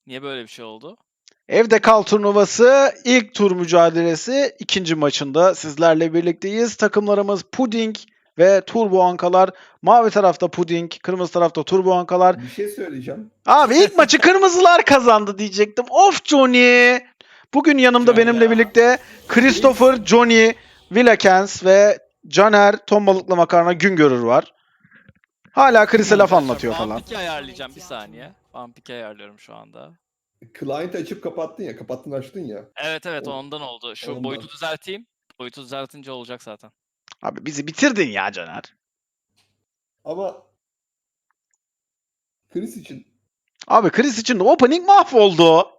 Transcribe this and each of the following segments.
Niye böyle bir şey oldu? Evde Kal turnuvası ilk tur mücadelesi ikinci maçında sizlerle birlikteyiz. Takımlarımız Puding ve Turbo Ankalar. Mavi tarafta Puding, kırmızı tarafta Turbo Ankalar. Bir şey söyleyeceğim. Abi ilk maçı kırmızılar kazandı diyecektim. Of Johnny! Bugün yanımda Johnny benimle ya. birlikte Christopher, Johnny, Willekens ve Caner, Ton Balıklı Makarna Güngörür var. Hala Chris'e laf anlatıyor falan. Vampik'i ayarlayacağım bir saniye. Vampik'i ayarlıyorum şu anda. Client açıp kapattın ya. Kapattın açtın ya. Evet ondan oldu. Şu Ondan. boyutu düzelteyim. Boyutu düzeltince olacak zaten. Abi bizi bitirdin ya Caner. Ama Chris için Abi Chris için de opening mahvoldu.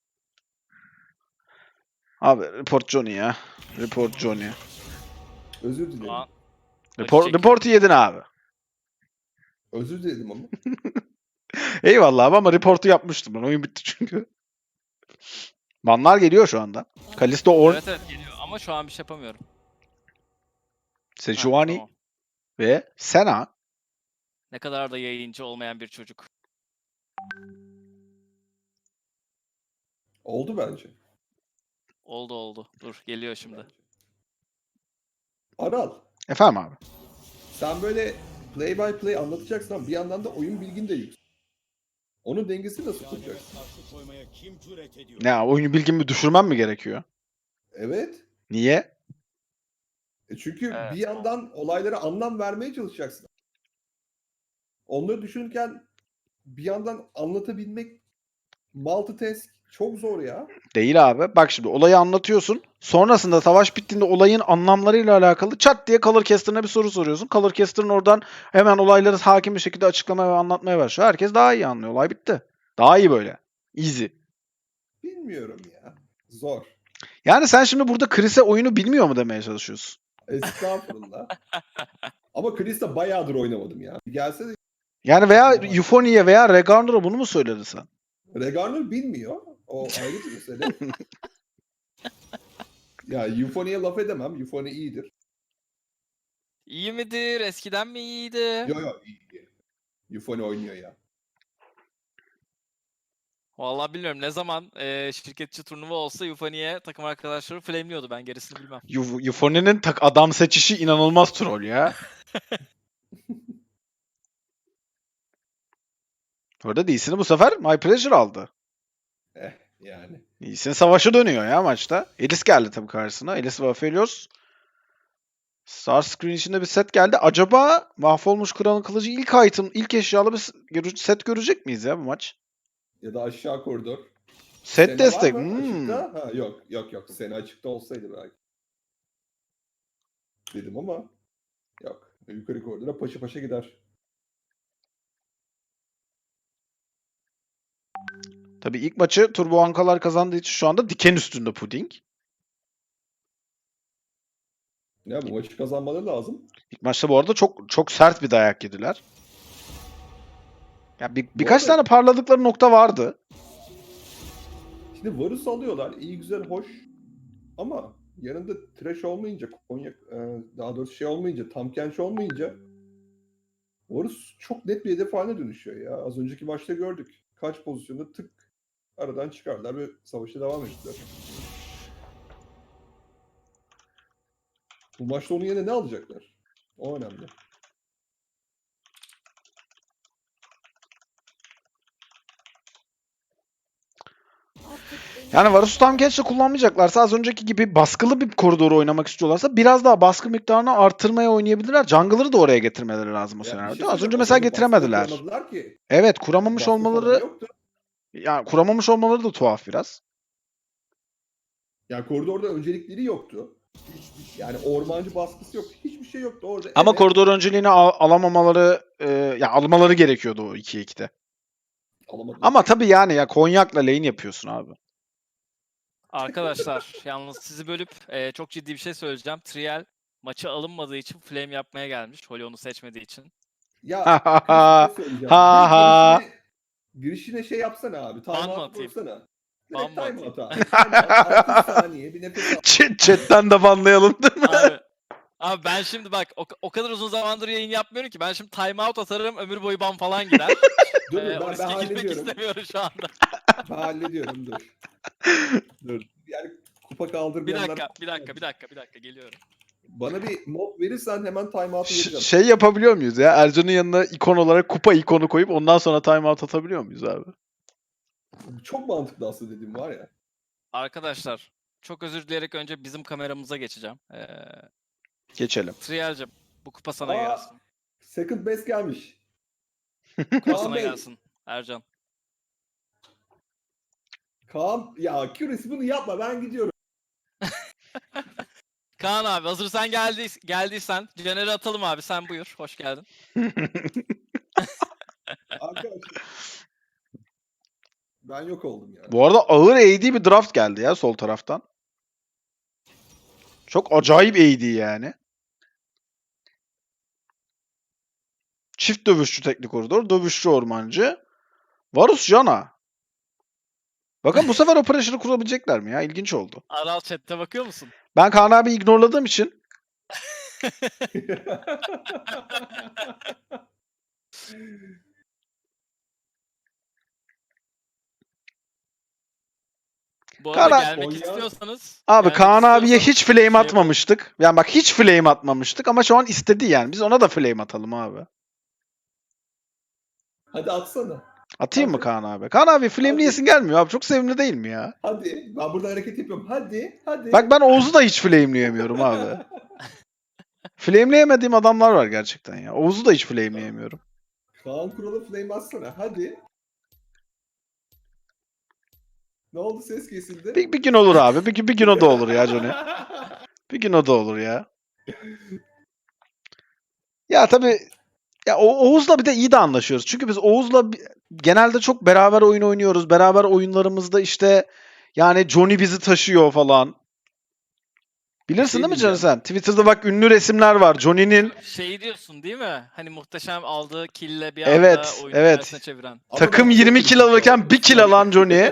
Abi report Johnny ya. Report Johnny. özür dilerim. Şu an Report'u yedin abi. Özür diledim ama. Eyvallah abi ama report'u yapmıştım ben. Oyun bitti çünkü. Banlar geliyor şu anda. Kalisto Orn, Evet geliyor ama şu an bir şey yapamıyorum. Sejuani Tamam. ve Sena. Ne kadar da yayıncı olmayan bir çocuk. Oldu bence. Oldu. Dur geliyor şimdi. Aral. Efendim abi. Sen böyle play by play anlatacaksın ama bir yandan da oyun bilgin de yüksek. Onun dengesini nasıl kuracaksın? Ne oyunu bilgimi düşürmem mi gerekiyor? Evet. Niye? Çünkü Evet. bir yandan olaylara anlam vermeye çalışacaksın. Onları düşünürken bir yandan anlatabilmek multitask çok zor ya. Değil abi. Bak şimdi olayı anlatıyorsun. Sonrasında savaş bittiğinde olayın anlamlarıyla alakalı çat diye Colorcaster'ına bir soru soruyorsun. Colorcaster'ın oradan hemen olayları hakim bir şekilde açıklamaya ve anlatmaya başlıyor. Herkes daha iyi anlıyor. Olay bitti. Daha iyi böyle. Easy. Bilmiyorum ya. Zor. Yani sen şimdi burada Chris'e oyunu bilmiyor mu demeye çalışıyorsun? Estağfurullah. Ama Chris'le bayağıdır oynamadım ya. Gelse de Yani veya Euphonia'ya veya Regarner'a bunu mu söyledin sen? Regarner bilmiyor. O ayrı bir mesele. Ya Euphonia'ya laf edemem. Euphonia iyidir. İyi midir? Eskiden mi iyiydi? Yo iyi. Euphonia oynuyor ya. Vallahi bilmiyorum. Ne zaman şirketçi turnuva olsa Euphonia'ya takım arkadaşları flameliyordu. Ben gerisini bilmem. Euphonia'nın adam seçişi inanılmaz troll ya. Orada Lee'sini bu sefer My Pleasure aldı. Yani. Lee'sin savaşı dönüyor ya maçta. Elis geldi tabii karşısına. Elis ve Aphelios. Starscreen içinde bir set geldi. Acaba mahvolmuş kralın kılıcı ilk item, ilk eşyalı bir set görecek miyiz ya bu maç? Ya da aşağı koridor. Set Sena destek. var mı açıkta? Ha, yok. Sena açıkta olsaydı belki. Dedim ama yok. Yukarı koridora paşa paşa gider. Tabii ilk maçı Turbo Ankalar kazandığı için şu anda diken üstünde Puding. Ya bu maçı kazanmaları lazım. İlk maçta bu arada çok sert bir dayak yediler. Ya birkaç arada- tane parladıkları nokta vardı. Şimdi Varus alıyorlar. İyi güzel hoş. Ama yanında trash olmayınca, Konya, daha doğrusu şey olmayınca, Tamkenç olmayınca Varus çok net bir hedef haline dönüşüyor ya. Az önceki maçta gördük. Kaç pozisyonda tık aradan çıkardılar ve savaşa devam ettiler. Bu maçta onun yerine ne alacaklar? O önemli. Yani Varus'u tam gençle kullanmayacaklarsa az önceki gibi baskılı bir koridoru oynamak istiyorlarsa biraz daha baskı miktarını artırmaya oynayabilirler. Jungler'ı da oraya getirmeleri lazım o Ya bir senaryoda. şey Az söyleyeceğim, önce o mesela zaman baskı da getiremediler. kuramadılar ki. Evet, kuramamış Baskı falan olmaları yoktu. yani kuramamış olmaları da tuhaf biraz. Yani koridorda öncelikleri yoktu. Yani ormancı baskısı yoktu. Hiçbir şey yoktu orada. Ama Evet, koridor önceliğini alamamaları ya almaları gerekiyordu o 2'ye 2'de. alamadılar. Ama tabii yani ya Konyak'la lane yapıyorsun abi. Arkadaşlar yalnız sizi bölüp çok ciddi bir şey söyleyeceğim. Trial maçı alınmadığı için flame yapmaya gelmiş. Holly onu seçmediği için. Ya Ha ha Chris, bir şey söyleyeceğim. ha ha. Girişine şey yapsana abi. Ban mı Timeout atayım? vursana. Ban Direkt mı timeout atayım? abi. Timeout. 6 saniye bir nefes al. Chat'ten de banlayalım değil mi? Abi Abi ben şimdi bak o kadar uzun zamandır yayın yapmıyorum ki. Ben şimdi timeout atarım, ömür boyu ban falan gider. Dur O ben riske girmek hallediyorum. istemiyorum şu anda. Ben hallediyorum dur. Dur. Yani kupa Bir kaldırmayanlar... dakika geliyorum. Bana bir mod verirsen hemen timeout'u vereceğim. Şey yapabiliyor muyuz ya? Ercan'ın yanına ikon olarak kupa ikonu koyup ondan sonra timeout atabiliyor muyuz abi? Çok mantıklı aslında dediğim var ya. Arkadaşlar çok özür dileyerek önce bizim kameramıza geçeceğim. Geçelim. Trial'cim bu kupa sana Aa, gelsin. Second best gelmiş. Kupa Kaan sana Bey. gelsin Ercan. Kaan ya Curious bunu yapma ben gidiyorum. Kaan abi hazır sen geldiysen Caner'i atalım abi, sen buyur. Hoş geldin. Arkadaşlar. Ben yok oldum ya. Bu arada ağır AD bir draft geldi ya sol taraftan. Çok acayip AD yani. Çift dövüşçü teknik koridor, dövüşçü ormancı. Varus Jana. Bakın bu sefer o pressure'ı kurabilecekler mi ya? İlginç oldu. Aral chat'te bakıyor musun? Ben Kaan abi ignorladığım için Bu arada Kaan- gelmek Konya- istiyorsanız. abi gelmek Kaan abiye istiyorsanız hiç flame şey yapalım. atmamıştık. Yani bak hiç flame atmamıştık ama şu an istedi yani. Biz ona da flame atalım abi. Hadi atsana. Atayım mı Hadi. Kaan abi? Kaan abi Hadi. flameleyesin gelmiyor abi. Çok sevimli değil mi ya? Hadi. Ben burada hareket yapıyorum. Hadi. Bak ben Oğuz'u da hiç flameleyemiyorum abi. Flameleyemediğim adamlar var gerçekten ya. Oğuz'u da hiç flameleyemiyorum. Kaan Kural'a flame atsana. Hadi. Ne oldu ses kesildi? Bir gün olur abi. Bir gün o da olur ya Johnny. Bir gün o da olur ya. Ya tabii ya Oğuz'la bir de iyi de anlaşıyoruz. Çünkü biz Oğuz'la genelde çok beraber oyun oynuyoruz. Beraber oyunlarımızda işte yani Johnny bizi taşıyor falan. Bilirsin şey değil mi Johnny diyeceğim. sen? Twitter'da bak ünlü resimler var. Johnny'nin Şey diyorsun değil mi? Hani muhteşem aldığı kille bir Evet, anda oyunu evet. tersine çeviren. Ama takım ben 20 çok kill alırken 1 kill alan Johnny.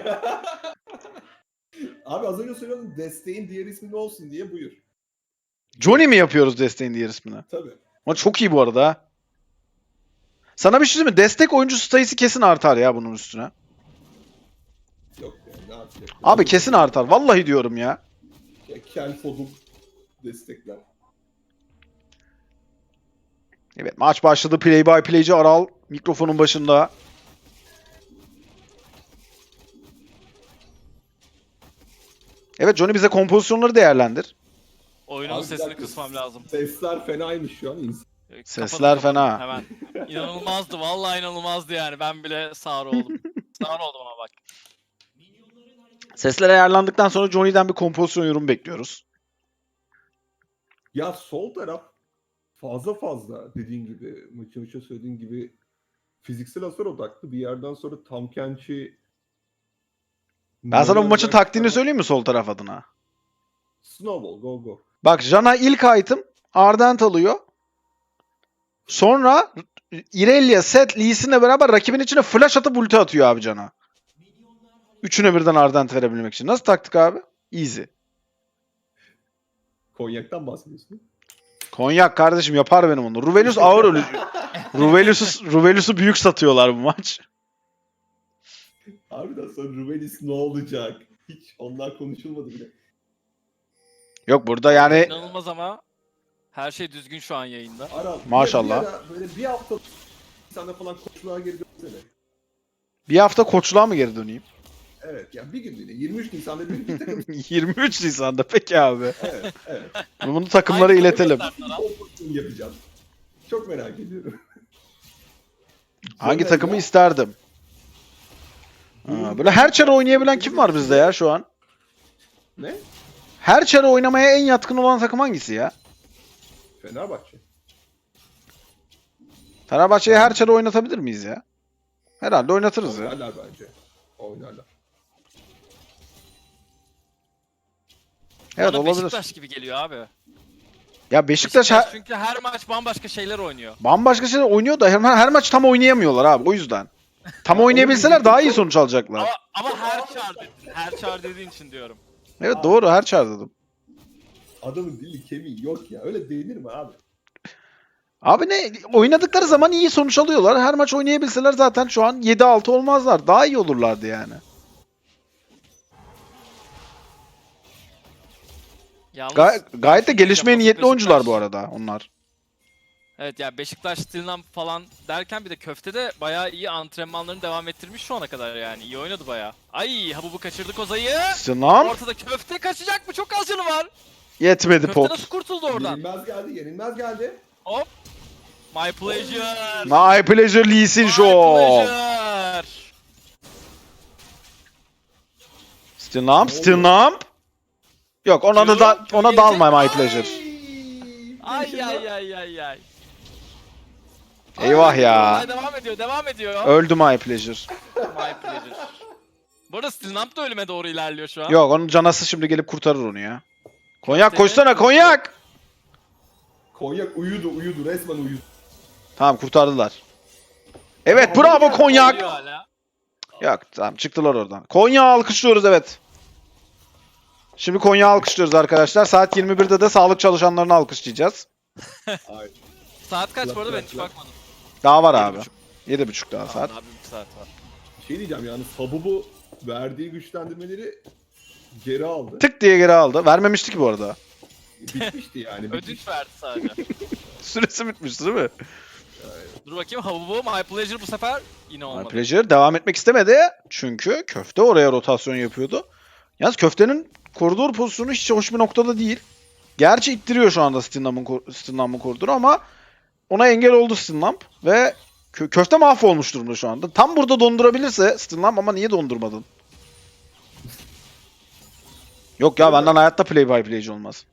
Abi az önce söylüyordum desteğin diğer ismi ne olsun diye buyur. Johnny mi yapıyoruz desteğin diğer ismini? Tabii. Ama çok iyi bu arada ha. Sana bir şey söyleyeyim mi? Destek oyuncu sayısı kesin artar ya bunun üstüne. Yok yani ne yapacak? Abi kesin artar. Vallahi diyorum ya. Kel Fodul destekler. Evet maç başladı. Play by playci Aral mikrofonun başında. Evet Johnny bize kompozisyonları değerlendir. Oyunun Abi bir sesini dakika. kısmam lazım. Sesler fenaymış şu an. Sesler Kapadım fena. hemen. İnanılmazdı. Vallahi inanılmazdı yani. Ben bile sağır oldum. Sağır oldum ama bak. Sesler ayarlandıktan sonra Johnny'den bir kompozisyon yorum bekliyoruz. Ya sol taraf fazla dediğin gibi maçı söylediğin gibi fiziksel hasar odaklı bir yerden sonra Tam Kenchi Ben sana bu maçın taktiğini söyleyeyim mi sol taraf adına? Snowball go. Bak Jana ilk item Ardent alıyor. Sonra Irelia, Sett, Lee Sin'le beraber rakibin içine flash atıp ulti atıyor abi Jana. Üçüne birden Ardent verebilmek için. Nasıl taktik abi? Easy. Konyak'tan bahsediyorsun. Konyak kardeşim yapar benim onu. Ruvelius ağır ölücü. Ruvelius'u büyük satıyorlar bu maç. Harbiden sonra Rubelis ne olacak? Hiç onlar konuşulmadı bile. Yok burada yani İnanılmaz ama her şey düzgün şu an yayında. Aral, Maşallah. bir ara böyle bir hafta sana falan koçluğa geri dönsene. bir hafta koçluğa mı geri döneyim? Evet yani bir gün bile 23 Nisan'da bir takım. 23 Nisan'da peki abi. Evet. Bunu takımlara Hangi iletelim. takımı gösterdi Kompozisyon yapacağım. Çok merak ediyorum. Hangi Caner takımı ya, isterdim? Ha, böyle her çare oynayabilen kim var bizde ya şu an? Ne? Her çare oynamaya en yatkın olan takım hangisi ya? Fenerbahçe. Fenerbahçe'yi her çare oynatabilir miyiz ya? Herhalde oynatırız ya. Oynarlar bence. Oynarlar. Evet Bana olabilir. Beşiktaş gibi geliyor abi. Ya Beşiktaş Çünkü her maç bambaşka şeyler oynuyor. bambaşka şeyler oynuyor da her maç tam oynayamıyorlar abi o yüzden. Tam oynayabilseler daha iyi sonuç alacaklar. Ama her çağır dediğin için diyorum. Evet doğru her çare dedim. adamın dili kemiği yok ya. Öyle denir mi abi? Abi ne oynadıkları zaman iyi sonuç alıyorlar. Her maç oynayabilseler zaten şu an 7-6 olmazlar. Daha iyi olurlardı yani. Yalnız Gayet de gelişmeye Beşiktaş- niyetli oyuncular bu arada onlar. Evet ya Beşiktaş Stilnam falan derken bir de köftede bayağı iyi antrenmanlarını devam ettirmiş şu ana kadar yani. İyi oynadı bayağı. Ay Habubu kaçırdı Koza'yı. Sınav Ortada köfte kaçacak mı? Çok az canı var. yetmedi Köfte pot. nasıl kurtuldu oradan? Yenilmez geldi. Hop. My pleasure. My pleasure Lee Sin My Show. pleasure. Stilnamp. Yok ona da Q ona gelecek. dalma My pleasure. Ay ay ay ay ay. Eyvah ya. Olay devam ediyor. Öldü My pleasure. My pleasure. Bu arada Stilnamp da ölüme doğru ilerliyor şu an. Yok onun canası şimdi gelip kurtarır onu ya. Konyak koşsana konyak. Konyak uyudu resmen uyudu. Tamam kurtardılar. Evet bravo konyak. Ölüyor hala. Yok tamam çıktılar oradan. Konya alkışlıyoruz evet. Şimdi Konya alkışlıyoruz arkadaşlar. Saat 21'de de sağlık çalışanlarını alkışlayacağız. Ay, Saat kaç bu arada ben Bırak, hiç bırak. bakmadım. Daha var abi. 7.30. 7.30 daha saat. Tamam, abi bir saat var. bir şey diyeceğim yalnız Habubu verdiği güçlendirmeleri geri aldı. Tık diye geri aldı. Vermemişti ki bu arada. Bitmişti yani. Ödünç verdi sadece. Süresi bitmişti değil mi? Dur bakayım Habubu My Pleasure bu sefer yine My olmadı. Pleasure devam etmek istemedi. Çünkü köfte oraya rotasyon yapıyordu. Yalnız köftenin koridor pozisyonu hiç hoş bir noktada değil. Gerçi ittiriyor şu anda Stinlamp'ın koridoru ama ona engel oldu Stinlamp ve köfte mahvolmuş durumda şu anda. Tam burada dondurabilirse Stinlamp ama niye dondurmadın? Yok ya benden hayatta play by playci olmaz.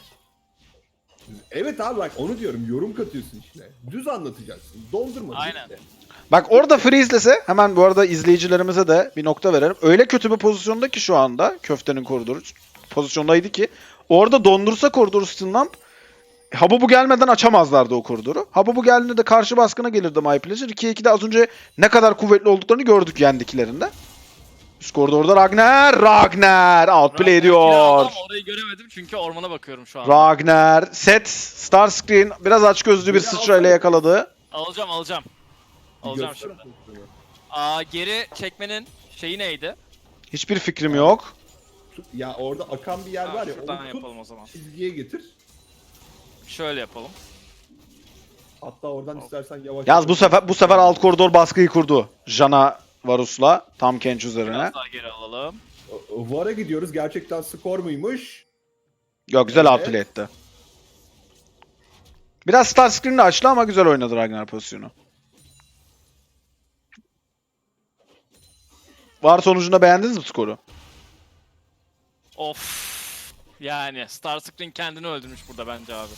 Evet abi bak onu diyorum yorum katıyorsun içine. Düz anlatacaksın. Dondurma. Aynen. bitti. Bak orada freezelese hemen bu arada izleyicilerimize de bir nokta verelim. Öyle kötü bir pozisyonda ki şu anda köftenin koridoru pozisyondaydı ki orada dondursa koridoru Stinlamp Habubu gelmeden açamazlardı o koridoru. Habubu geldiğinde de karşı baskına gelirdi My Pleasure. 2-2'de az önce ne kadar kuvvetli olduklarını gördük yendiklerinde. Üst koridorda Ragnar outplay ediyor. Ama orayı göremedim çünkü ormana bakıyorum şu an. Ragnar set Starscreen biraz açgözlü bir Yine sıçrayla yakaladı. Alacağım. Alacağım Göster şimdi. pozisyonu. Geri çekmenin şeyi neydi? Hiçbir fikrim yok. Ya orada akan bir yer var ya Şuradan onu tut yapalım o zaman. çizgiye getir. Şöyle yapalım. Hatta oradan istersen yavaş. Yalnız bu sefer alt koridor baskıyı kurdu. Jana Varus'la tam Kench üzerine. Biraz daha geri alalım. VAR'a gidiyoruz. Gerçekten skor muymuş? Yok güzel Evet. outplay etti. Biraz Starscreen'le açtı ama güzel oynadı Ragnar pozisyonu. Var sonucunda beğendiniz mi skoru? Of. Yani Starscreen kendini öldürmüş burada bence abi.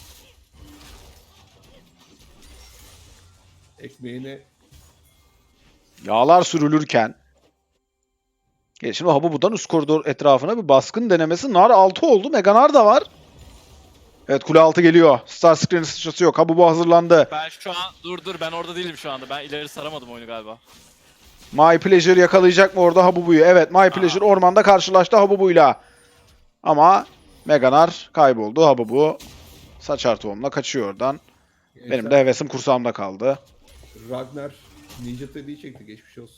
Ekmeğini Yağlar sürülürken. Şimdi Habubu'dan üst koridor etrafına bir baskın denemesi. Nar 6 oldu. Meganar da var. Evet kule altı geliyor. Starscreen'in sıçrası yok. Habubu hazırlandı. Ben şu an dur ben orada değilim şu anda. Ben ileri saramadım oyunu galiba. My Pleasure yakalayacak mı orada Habubu'yu? Evet My Pleasure ormanda karşılaştı Habubu'yla. Ama Meganar kayboldu. Habubu saçar tohumla kaçıyor oradan. Benim de hevesim kursağımda kaldı. Ragnar Ninja Tabi'yi çekti. Geçmiş olsun.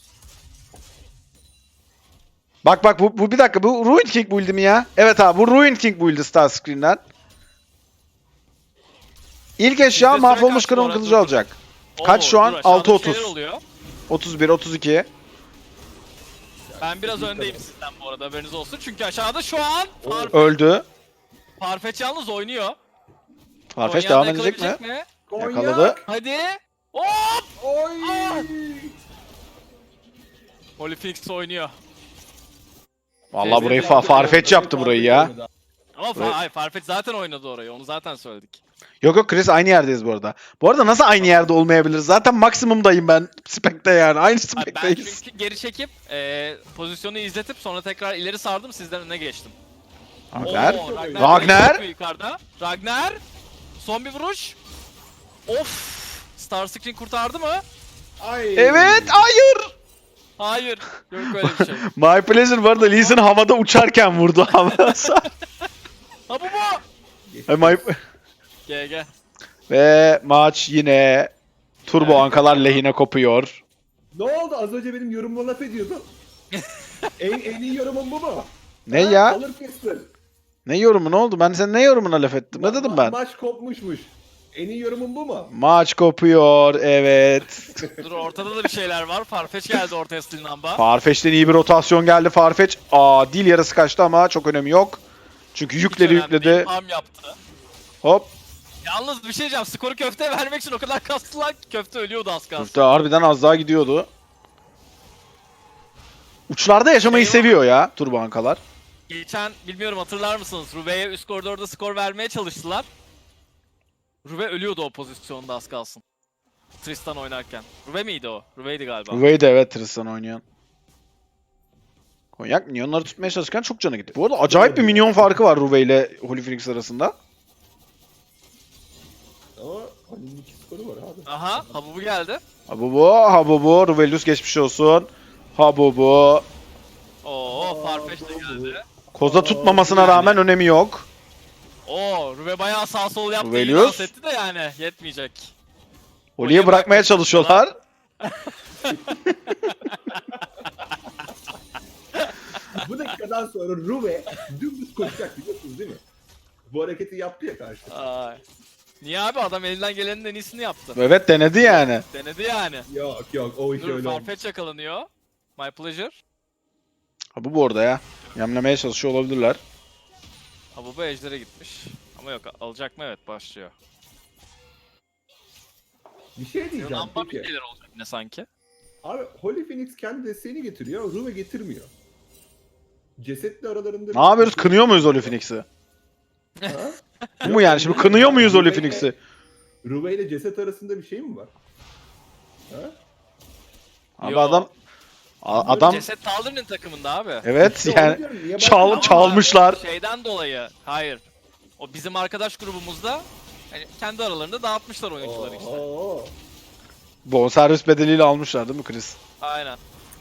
Bak bu bir dakika bu Ruined King build'i mi ya? Evet abi bu Ruined King build'i Starscreen'den. İlk eşya Bizde mahvolmuş süre kaç bu kralın arada? kılıcı alacak. Kaç şu an? dur, aşağıda 6.30. bir şeyler oluyor. 31, 32. Ben biraz öndeyim sizden bu arada haberiniz olsun. Çünkü aşağıda şu an Öldü. Farfetch yalnız oynuyor. Farfetch Konya'da devam edecek mi? yakalayabilecek mi? Yakaladı. Hadi. Hop! Oy! Holy Phoenix oynuyor. Vallahi burayı Farfetch yaptı burayı ya. Ama Evet. hayır, Farfetch zaten oynadı orayı. Onu zaten söyledik. Yok Chris aynı yerdeyiz bu arada. Bu arada nasıl aynı yerde olmayabiliriz? Zaten maksimumdayım ben Spec'te yani. Aynı Abi ben Spec'teyiz. çünkü geri çekip pozisyonu izletip sonra tekrar ileri sardım sizden öne geçtim. Ragnar. Oo, Ragnar. direkt yukarıda. Ragnar. Son bir vuruş. Of. Starscreen kurtardı mı? Ay. Evet, hayır. Hayır. Yok öyle bir şey. My Pleasure bu arada Lee Sin havada uçarken vurdu havada. Ha bu mu? GG. Ve maç yine Turbo Ankalar lehine kopuyor. Ne oldu? Az önce benim yorumuma laf ediyordun. en iyi yorumum bu mu? Ne Ha? ya? Alır kestir. Ne yorumu ne oldu? Ben senin ne yorumuna laf ettim? Ne dedim ben? Maç kopmuşmuş. En iyi yorumun bu mu? Maç kopuyor, evet. Dur ortada da bir şeyler var. Farfetch geldi ortaya Stilnamba. Farfetch'ten iyi bir rotasyon geldi Farfetch. Dil yarısı kaçtı ama çok önemi yok. Çünkü yükleri yükledi. Farm yaptı. Hop. Yalnız bir şey diyeceğim. Skoru köfteye vermek için o kadar kastılar ki köfte ölüyordu az kalsın. Köfte harbiden az daha gidiyordu. Uçlarda yaşamayı seviyor ya Turbo Ankalar. Geçen bilmiyorum hatırlar mısınız? Ruve'ye üst koridorda skor vermeye çalıştılar. Ruve ölüyordu o pozisyonda az kalsın. Tristan oynarken. Ruve miydi o? Ruve'ydi galiba. Ruve'yi de evet Tristan oynayan. Konyak minyonları tutmaya çalışırken çok canı gitti. Bu arada acayip bir minyon farkı var Ruve ile Holy Phoenix arasında. Ama Halil'in 2 skoru var abi. Aha, Habubu geldi. Habubu. Ruvelius geçmiş olsun. Habubu. Oo, Farfetch de geldi. Koza tutmamasına rağmen önemi yok. Oo, Ruve bayağı sağ sol yaptı. İyi Ruvelius. dans etti de yani yetmeyecek. Holy'ye bırakmaya çalışıyorlar. Bu dakikadan sonra Ruve dümdüz koşacak biliyorsunuz değil mi? Bu hareketi yaptı ya karşı. Ay. Niye abi adam elinden gelenin en iyisini yaptı. Evet denedi yani. Denedi yani. Yok o iş Dur öyle olmaz. Farfetch yakalanıyor. My pleasure. Habubu orada ya. Yemlemeye çalışıyor olabilirler. Habubu ejder'e gitmiş. Ama yok alacak mı? Evet başlıyor. Bir şey diyeceğim Yunan'da bir peki. şeyler olacak yine sanki. Abi Holy Phoenix kendi desteğini getiriyor, Ruve getirmiyor. Cesetle aralarında... Ne yapıyoruz? Kınıyor muyuz Holy Phoenix'i? Ha? Bu mu yani? Şimdi kınıyor muyuz Holy Phoenix'i? Ruve ile ceset arasında bir şey mi var? Ha? Abi Yo. adam Ceset Taldir'in takımında abi. evet İşte onu yani diyorum, niye çal- bakmıyor? çalmışlar. Şeyden dolayı. Hayır. O bizim arkadaş grubumuzda hani kendi aralarında dağıtmışlar oyuncuları işte. Oo. Bonservis bedeliyle almışlar değil mi Chris? Aynen.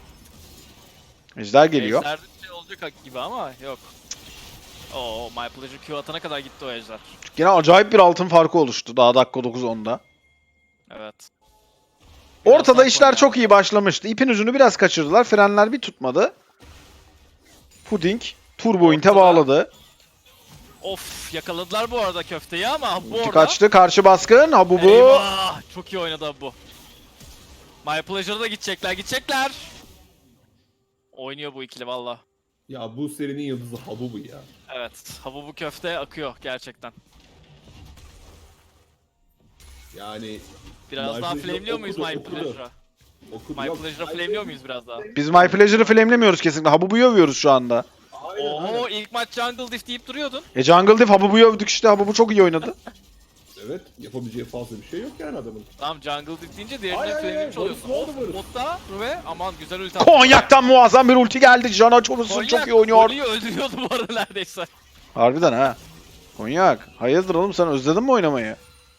Ejder geliyor. Ejder'de bir şey olacak gibi ama yok. Oo, My Pleasure Q atana kadar gitti o ejder. Yine acayip bir altın farkı oluştu daha dakika 9-10'da. Evet. Ortada Birazdan işler sonra. çok iyi başlamıştı. İpin ucunu biraz kaçırdılar. Frenler bir tutmadı. Pudding Turbo Int'e Ortada. bağladı. Of yakaladılar bu arada köfteyi ama bu Ulti orada. kaçtı. Karşı baskın. Habubu. Eyvah! Çok iyi oynadı bu. My Pleasure'a da gidecekler. Oynuyor bu ikili valla. Ya bu serinin yıldızı Habubu ya. Evet, Habubu köfte akıyor gerçekten. Yani Biraz My daha Pleasure flameliyor muyuz okudu, My okudu. Pleasure'a? okudu. My Yok, Pleasure'a flameliyor muyuz biraz daha? Biz My Pleasure'ı flamelemiyoruz kesinlikle. Habubu'yu övüyoruz şu anda. Aynen, aynen. Oo ilk maç Jungle Diff deyip duruyordun. Jungle Diff Habubu'yu övdük işte. Habubu çok iyi oynadı. Evet, yapabileceği fazla bir şey yok yani adamın. Tamam Jungle Diff deyince diğerinden Ay, ay, ay, flamelemiş oluyorsun. ne oldu Of böyle? botta Ruve aman güzel ulti attı. Konyak'tan muazzam bir ulti geldi. Jana Çorumsun çok iyi oynuyor. Konyak öldürüyordu bu arada neredeyse. Harbiden ha. Konyak. Hayırdır oğlum sen özledin mi oynamayı?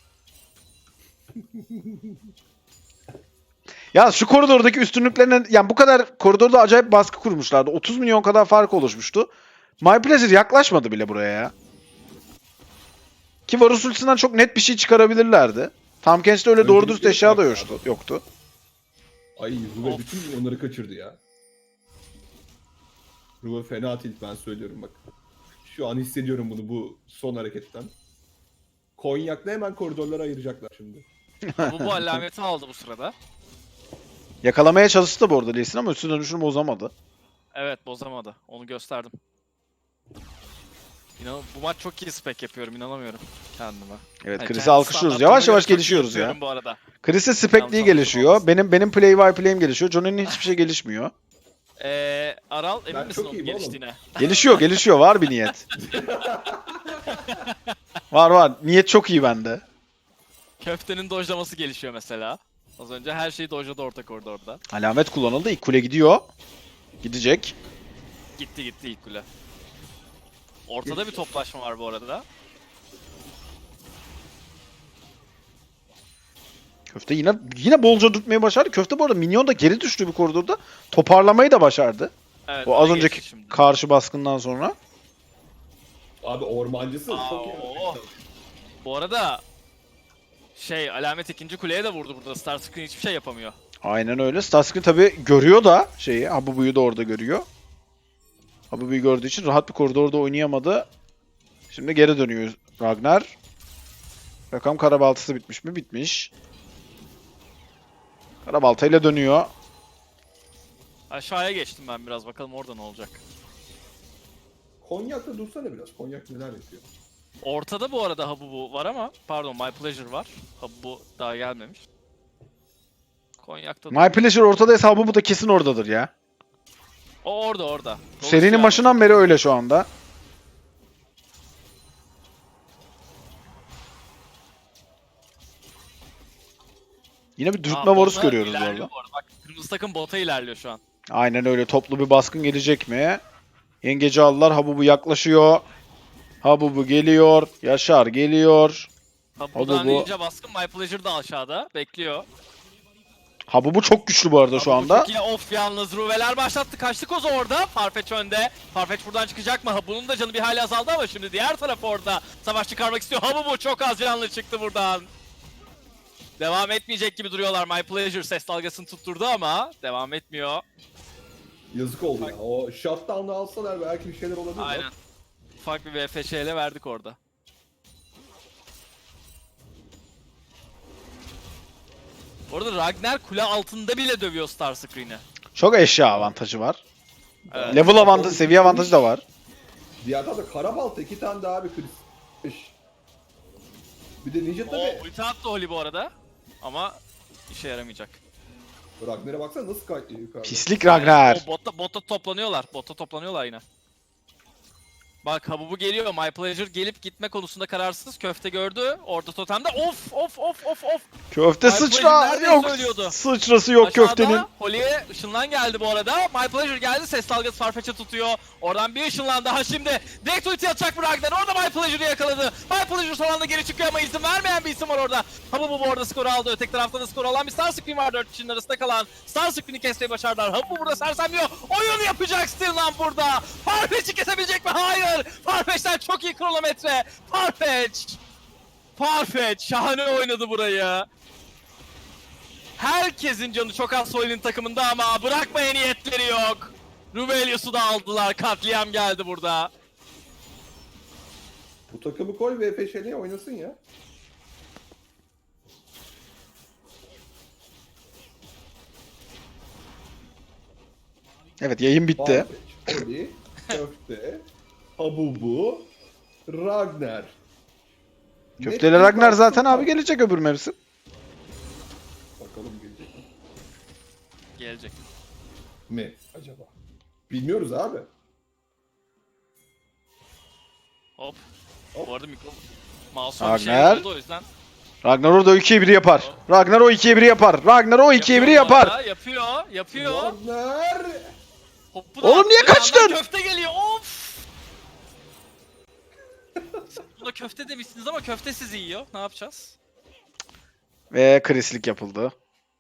Ya şu koridordaki üstünlüklerine yani bu kadar koridorda acayip baskı kurmuşlardı. 30 milyon kadar fark oluşmuştu. My Pleasure yaklaşmadı bile buraya ya. Ki Varus ultisinden çok net bir şey çıkarabilirlerdi. Tam Kench'te öyle doğru dürüst eşya da yoktu. Ay Ruve Of. bütün onları kaçırdı ya. Ruve fena tilt ben söylüyorum bak. Şu an hissediyorum bunu bu son hareketten. Konyak'la hemen koridorlara ayıracaklar şimdi. Bu alameti aldı bu sırada. Yakalamaya çalıştı da bu arada Lee Sin ama üstü dönüşünü bozamadı. Evet bozamadı. Onu gösterdim. Bu maç çok iyi spek yapıyorum inanamıyorum kendime. Evet Yani Chris'i kendi alkışlıyoruz. standartlarıma Yavaş göre yavaş çok iyi gelişiyoruz ya. yapıyorum Bu arada. Chris'in spekliği Yanlış gelişiyor. anlaşılmasın. Benim play by play'im gelişiyor. Johnny'nin hiçbir şey gelişmiyor. Aral emin Ben misin çok onun iyiyim oğlum. geliştiğine? Gelişiyor. Var bir niyet. Var. Niyet çok iyi bende. Köftenin dojlaması gelişiyor mesela. Az önce her şeyi dojladı orta koridorda. Alamet kullanıldı. İlk kule gidiyor. Gidecek. Gitti ilk kule. Ortada bir toplaşma var bu arada. Köfte yine bolca tutmayı başardı. Köfte bu arada minyon da geri düştü bir koridorda. Toparlamayı da başardı. Evet, O az öne önceki geçti şimdi. karşı baskından sonra. Abi ormancısı çok iyi. Oh. Bu arada Alamet ikinci kuleye de vurdu burada. Starscream hiçbir şey yapamıyor. Aynen öyle. Starscream tabi görüyor da şeyi. Habubu'yu da orada görüyor. Habubu'yu gördüğü için rahat bir koridorda oynayamadı. Şimdi geri dönüyor Ragnar. Bakalım karabaltası bitmiş mi? Bitmiş. Karabaltayla dönüyor. Aşağıya geçtim ben biraz. Bakalım orada ne olacak. Konyak'ta dursana biraz. Konyak neler yapıyor? Ortada bu arada Habubu var ama pardon My Pleasure var. Habubu daha gelmemiş. Konyak'ta My Pleasure ortadaysa Habubu da kesin oradadır ya. o orada. Serinin Dolaşıyor başından beri öyle şu anda. Yine bir dürtme Varus bota görüyoruz bu ilerliyor arada. Bak kırmızı takım bota ilerliyor şu an. Aynen öyle. Toplu bir baskın gelecek mi? Yengeci aldılar. Habubu yaklaşıyor. Habubu geliyor. Yaşar geliyor. Habubu'dan Habubu. ninja baskın My Pleasure da aşağıda bekliyor. Habubu çok güçlü bu arada şu Habubu anda. çok iyi off yalnız Ruveler başlattı. Kaçtı Koza orada. Farfetch önde. Farfetch buradan çıkacak mı? Habubu'nun da canı bir hayli azaldı ama şimdi diğer taraf orada. Savaş çıkarmak istiyor. Habubu çok az canlı çıktı buradan. Devam etmeyecek gibi duruyorlar. My Pleasure ses dalgasını tutturdu ama devam etmiyor. Yazık oldu ya. O shutdown'ı alsalar belki bir şeyler olabilir. Aynen. Ufak bir VFŞ ile verdik orada. Orada Ragnar kule altında bile dövüyor Starscream'i. Çok eşya avantajı var. Evet. Level avantajı, seviye avantajı da var. Diğer tarafta Karabalta 2 tane daha bir kriz. Bir de Ninja tabi. Ulti attı Oli bu arada. Ama işe yaramayacak. Ragnar'a baksana nasıl kayıtlıyor yukarıda. Pislik Ragnar. O botta toplanıyorlar. Botta toplanıyorlar yine. Bak Habubu geliyor. My Pleasure gelip gitme konusunda kararsız. Köfte gördü. Orada totemde. Of. Köfte My sıçra Pleasure neredeyse yok. ölüyordu. Sıçrası yok Aşağıda köftenin. Holly'e ışınlan geldi bu arada. My Pleasure geldi. Ses dalgası Farfetch'e tutuyor. Oradan bir ışınlan daha şimdi. Direkt ulti atacak mı Ragnar? Orada My Pleasure'ı yakaladı. My Pleasure son anda geri çıkıyor ama izin vermeyen bir isim var orada. Habubu bu arada skoru aldı. Öteki tarafta da skor alan bir Starscream var 4 kişinin arasında kalan. Starscream'i kesmeyi başardılar. Habubu burada sersemliyor. Oyun yapacak Stirland burada. Farfetch'i kesebilecek mi? Hayır. Farfetch'ten çok iyi kronometre. Farfetch şahane oynadı burayı. Herkesin canı çok az Soy'un takımında ama bırakmaya niyetleri yok. Ruvelius'u da aldılar. Katliam geldi burada. Bu takımı koy ve peşeliğe oynasın ya. Evet yayın bitti. Farfetch, Oli, Köfte, Habubu, Ragnar. Köfteyle Net bir Ragnar zaten baskın abi var. gelecek öbür mevsim. Bakalım gelecek Gelecek. mi acaba? Bilmiyoruz abi. Hop. Hop. Bu arada Mouse'a bir şey Ragnar. oldu o yüzden. Ragnar orada 2'ye 1'i yapar. Ragnar o 2'ye 1'i yapar. Ragnar o 2'ye 1'i Yapıyor bu yapar. arada, Yapıyor. Ragnar! Hopu da Oğlum niye attı, kaçtın? yandan köfte geliyor. Of. Buna köfte demişsiniz ama köfte sizi yiyor. Ne yapacağız? Ve krislik yapıldı.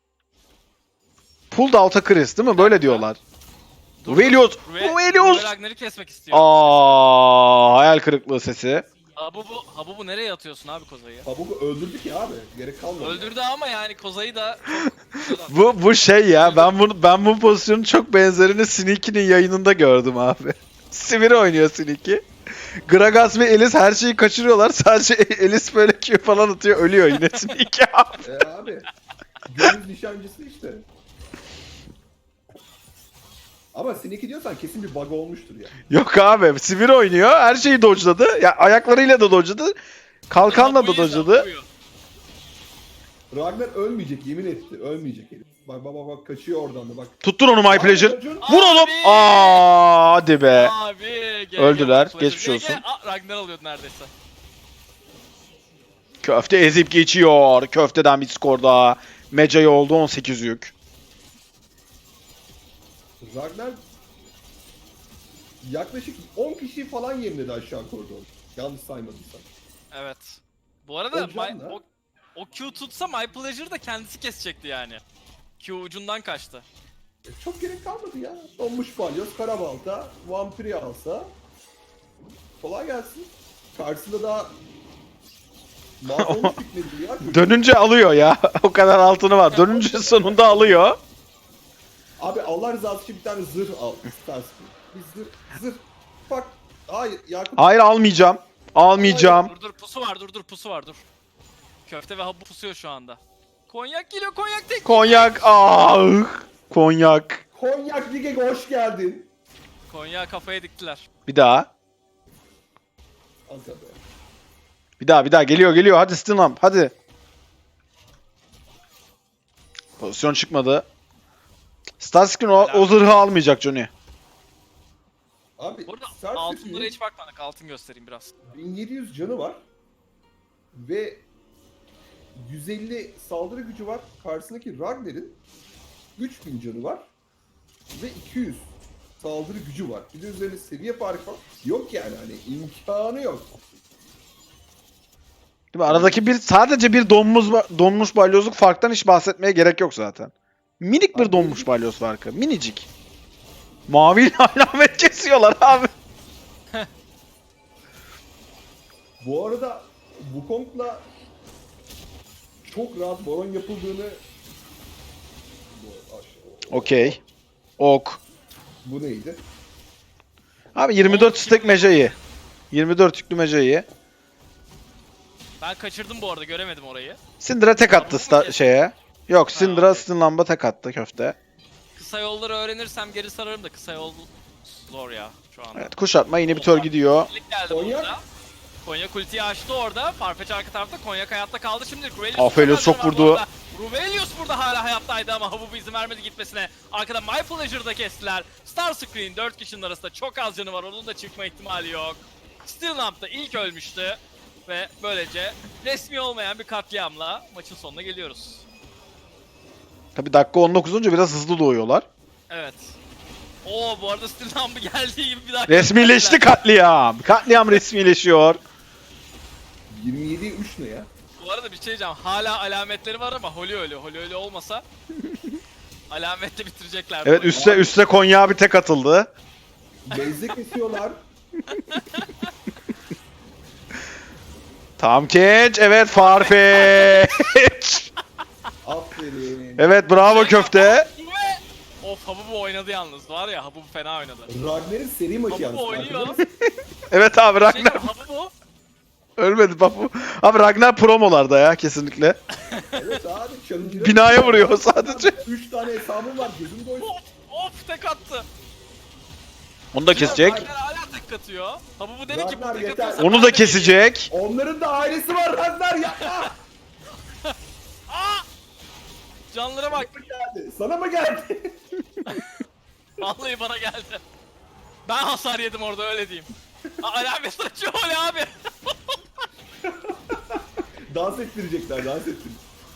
Pull out'a Chris değil mi? Böyle diyorlar. Ruvelius! Ruvelius! Ragnar'ı kesmek istiyor. Hayal kırıklığı sesi. Habubu nereye atıyorsun abi Koza'yı? Habubu öldürdük ya abi. Gerek kalmadı. Öldürdü ama yani Koza'yı da çok... Bu şey ya ben bu pozisyonun çok benzerini Sneaky'nin yayınında gördüm abi. Sivir oynuyor Sneaky. Gragas ve Elis her şeyi kaçırıyorlar. Sadece Elis böyle Q falan atıyor. Ölüyor yine Sneaky abi. Abi. Gönül nişancısı işte. Ama Sneaky diyorsan kesin bir bug olmuştur ya. Yok abi. Sivir oynuyor. Her şeyi dodge'ladı. Ya ayaklarıyla da dodge'ladı. Kalkanla da dodge'ladı. Ragnar ölmeyecek yemin etti. Ölmeyecek herif. Bak kaçıyor oradan da bak. Tuttun onu My Pleasure. Ragnar- Vur oğlum. Hadi be. Abi, Öldüler, GG, geçmiş GG. olsun. Ragnar alıyordu neredeyse. Köfte ezip geçiyor. Köfteden bir skor daha. Mecai oldu 18 yük. Ragnar yaklaşık 10 kişi falan yemledi aşağı koridor. Yanlış saymadıysam. Evet. Bu arada O can da. o Q tutsa My Pleasure da kendisi kesecekti yani. Q ucundan kaçtı. Çok gerek kalmadı ya. Donmuş balyoz, karabalta, vampiri alsa. Kolay gelsin. Karşısında daha mahvolmuş bitmedi ya. Çocuk. Dönünce alıyor ya. O kadar altını var. Dönünce sonunda alıyor. Abi Allah rızası için bir tane zırh al. İstersin. Bir zırh. Bak. Hayır Yakup. Hayır almayacağım. Almayacağım. Dur pusu var pusu var dur. Köfte ve Habu pusuyor şu anda. Konyak geliyor konyak tek. Konyak. Ah. Konyak. Konyak Lig'e hoş geldin. Konyak kafaya diktiler. Bir daha. Aga be. Bir daha. Geliyor. Hadi Stinlamp. Hadi. Pozisyon çıkmadı. Starscreen o zırhı almayacak Johnny. Abi Burada Starscreen'in altınlara hiç bakmadık. Altın göstereyim biraz. 1700 canı var. Ve 150 saldırı gücü var. Karşısındaki Ragnar'ın 3000 canı var. Ve 200 saldırı gücü var. Bir de üzerine seviye farkı var. Yok yani hani imkanı yok. Değil mi? Aradaki sadece bir donmuş balyozluk farktan hiç bahsetmeye gerek yok zaten. Minik bir Abi, donmuş balyoz farkı. Minicik. Maviyle alamet kesiyorlar abi. Bu arada Wukong'la çok rahat baron yapıldığını Okey. Ok. Bu neydi? Abi 24 stack mecayı. 24 yüklü mecayı. Ben kaçırdım bu arada göremedim orayı. Syndra tek attı Tamam mı? şeye. Yok Syndra okey. Stinlamp'a tek attı köfte. Kısa yolları öğrenirsem geri sararım da kısa yol zor ya şu anda. Evet kuşatma inhibitor gidiyor. Lig geldi Konyak. burada. Konyak ultiyi açtı orada. Farfetch arka tarafta. Konyak hayatta kaldı şimdi. Aphelios çok vurdu. Ruvelius burada hala hayattaydı ama Habubu izin vermedi gitmesine. Arkada My Pleasure'da kestiler. Starscreen 4 kişinin arasında çok az canı var. Onun da çıkma ihtimali yok. Stillamp da ilk ölmüştü. Ve böylece resmi olmayan bir katliamla maçın sonuna geliyoruz. Tabi dakika 19 olunca biraz hızlı doğuyorlar. Evet. Oo bu arada Stillamp'ı geldiği gibi bir daha Resmileşti katliam. Katliam resmileşiyor. 27'ye 3 ne ya? Bu arada bir şey diyeceğim. Hala alametleri var ama Holy öyle. Holy öyle olmasa alametle bitirecekler. Evet üste Konya bir tek atıldı. Base'de kesiyorlar. Tam catch. Evet Farfetch. Aferin. Evet bravo köfte. Of Habubu oynadı yalnız var ya Habubu fena oynadı. Ragnar'ın seri maçı yalnız. Habubu oynuyor. farkında mısın? Evet abi Şey Ragnar. diyeyim, Habubu Ölmedi Babu. Abi Ragnar promolarda ya kesinlikle. Evet abi. Challenger'a Binaya vuruyor sadece. 3 tane hesabım var. Gözüm doysun. of tek attı. Onu da kesecek. Ragnar hala tek atıyor. Habubu dedi ki bu Ragnar tek yeter. atıyorsa Onu ben da de geleyim. kesecek. Onların da ailesi var Ragnar yapma. Aa! Canlara bak. Geldi. Sana mı geldi? Vallahi bana geldi. Ben hasar yedim orada öyle diyeyim. Alamet açıyor öyle abi. Dans ettirecekler. Dans ettirecekler.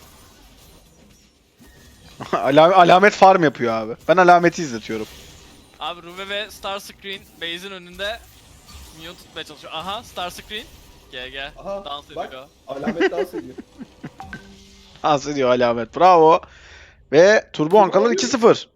Alamet farm yapıyor abi. Ben alameti izletiyorum. Abi Ruve ve Starscreen base'in önünde minyon tutmaya çalışıyor. Aha Starscreen. GG. Aha Dans bak. ediyor. Alamet dans ediyor. Dans ediyor alamet. Bravo. Ve Turbo Ankalar 2-0.